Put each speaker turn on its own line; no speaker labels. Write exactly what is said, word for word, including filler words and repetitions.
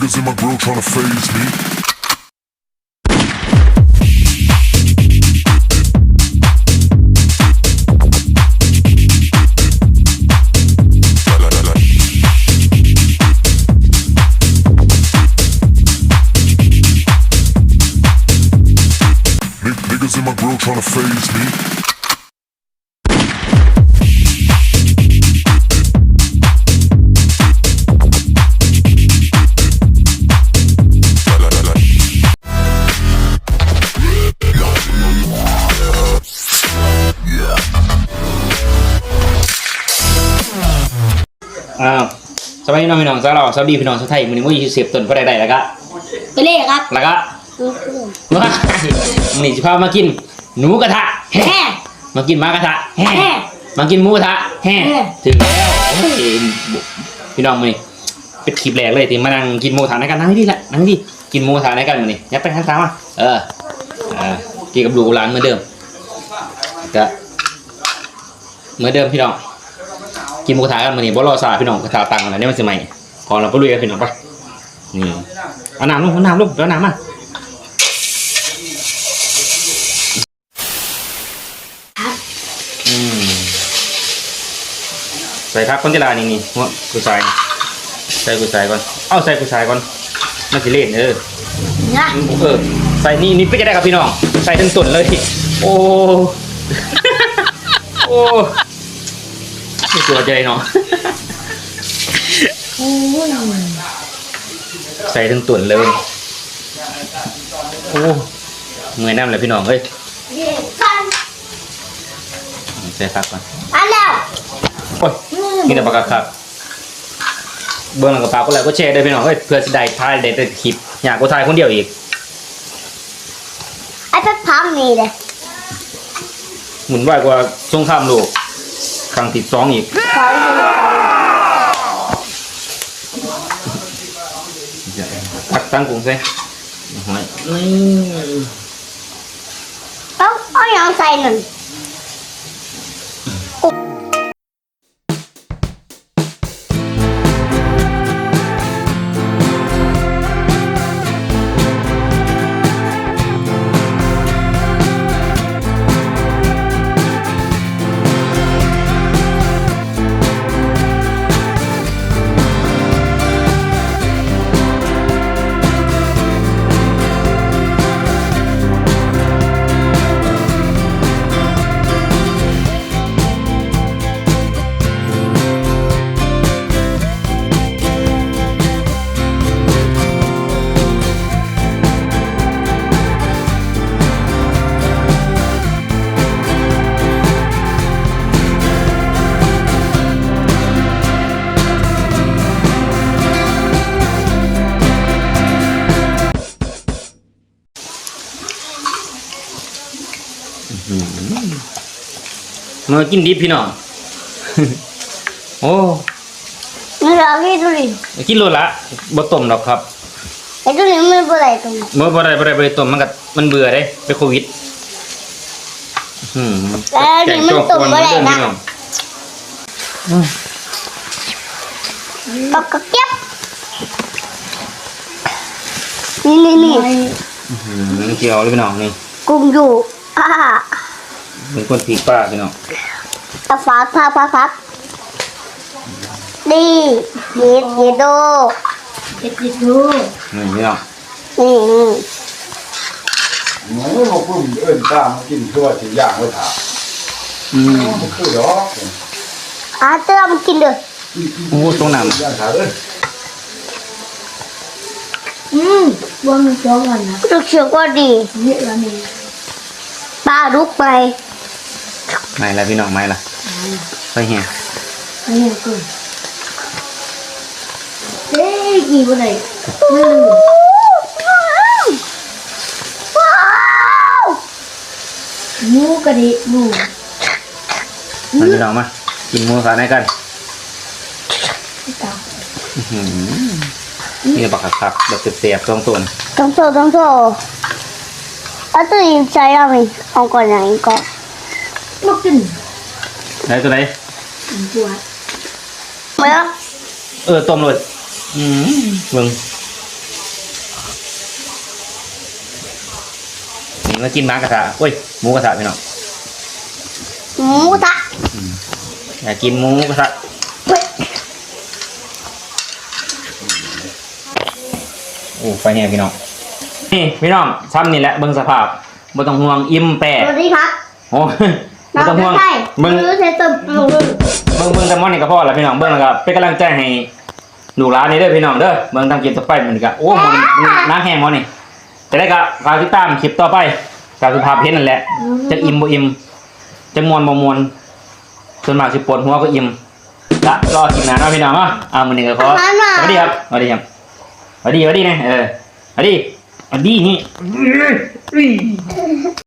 niggas in my grill tryna phase me. Niggas in my grill tryna phase me.
อ้าวสวัสดีน้องพี่น้องสาวเราสวัสดีพี่น้องชาวไทยมื้อนี้มื้อยี่สิบต้นบ่ได้ได้แล้วก็
ไปเลยครับ
แล้วก็ว้ามื้อนี้สิพามากินหนูกระทะแฮ่มากินหมากระทะแฮ่มากินหมูกระทะแฮ่ถึงแล้วโอ้ยพี่น้องมื้อนี้เป็นคลิปแรกเลยที่มานั่งกินหมูกระทะในกันนั่งนี่แหละนั่งนี่กินหมูกระทะในกันมื้อนี้ยับไปทางซ้ายมาเออเออกินกับลูกหลานเหมือนเดิมก็เหมือนเดิมพี่น้องกินหมูกระทะกันมื้อนี้บ่รอซาพี่น้องกระทะตังกันนะเนี่ยมันสิใหม่ขอเราไปลุยกันพี่น้องไปนี่เอาน้ำลงเอาน้ำลงเอาน้ำมาอืมใส่ครับคนที่ลานี่นี่หัวกุยใส่ใส่กุยใส่ก่อนเอาใส่กุยใส่ก่อนมันสิเล่นเออ
นะ
เออใส่นี่นี่ไปจะได้ครับพี่น้องใส่ทั้งต้นเลยโอ้โอ้ไม่ตัวใจเนาะใส่ทั้งต้นเลยโอ้เมื่อยน้ำเลยพี่น้องเฮ้ยใส่ครับก่อน
อันแล้ว
โอ้ยนี่แต่ปากกาครับเบื้องหลังกระเป๋าก็แล้วก็แชร์ได้พี่น้องเฮ้ยเพื่อจะได้ถ่ายได้แต่คลิปอยากกูถ่ายคนเดียวอีก
ไอ้พัดพังนี่เลย
หมุนไหวกว่าสงครามโลกครั้งที่สองอีก
ขอให้ดู
พักตั้งกรุงใช่หอย
ต้องเอาอย่างใส่หนึ่ง
มากินดิบพี่น้องโอ้
ไม่รอให้ดูดิ
กินโลละบ่ต้มหรอกครับ
ไอ้ดูดิไม่เป็นไรตรงนี้
เมื่อบ่ได้บ่ได้บ่ได้ต้มมันก็มันเบื่อได้ไปโควิดอืม
แล้วนี่มันตุ่มอะไรนะปากกระเก็บนี่นี่นี่
อืมเกี่ยวเลยพี่น้องนี่
กุ้งอยู่อ่า
เป็นคนผีป้าพี่น้อง
ตะฟ้าพักพักพักดีเย็ดเย็ดโดเย็ดเย็ดโด
นี่พี่น้อง
นี่นี่
หนูเราเพิ่งเอิ้นตามกินคือว่าสิย่างไว้ถาม
อืม
มันคือดอก
อาเติมกินเด้อ
โอ้ตรงน้
ย่างถามเอ้ย
อืมว่ามันสองวันนะรู้สึกว่าดีเยอะแล้วนี่ปลาลุกไป
ำไม่ละพี่น้องไม่ละไปเฮีย
ไปเห็นกูเฮ้ยกี่วันไหนว้าวหมูกระดิหมู
มาพี่น้องมากินหมูสาในกันนี่บักคักแบบเสียบๆตรงตัว
ต้องโซ่ต้องโซ่เอาตัวนี้ใช้เอาไหมเอาก่อนอย่างนี้ก่อนลูกกิน
ไหนตัวไหน
ปวดเมื่อ
เออต้มเลยอืมมึงมากินหมากระทะโอ้ยหมูกระทะพี่น้อง
หมูทะ
อยากกินหมูกระทะ
เฮ้ย
โอ้ไฟแห้งพี่น้องนี่พี่น้องซ้ำนี่แหละเบิ่งสภาพบ่ต้องห่วงอิ่มแปะ
สวัสดีครับ
โอ้บ่ต้องห่วง
ใช่
เบิ่ง
มือเซตบมือ
เบิ่งเบิ่งแต่มอนนี่ก็พอแล้วพี่น้องเบิ่งแล้วก็เป็นกำลังใจให้ลูกหลานนี่เด้อพี่น้องเด้อเบิ่งตามคลิปต่อไปมันก็โอ้มันน้ำแห้งมอนี่แต่ได้ก็ฝากติดตามคลิปต่อไปตามสภาพเห็นนั่นแหละจะอิ่มบ่อิ่มจะมวนบ่มวนส่วนมากสิปวดหัวก็อิ่มละรอกินหน้าเนาะพี่น้องเนาะอ่ามื้อนี้ก็ขอสวัสดีครับสวัสดีครับสวัสดีสวัสดีนะเออสวัสดีสวัสดีนี่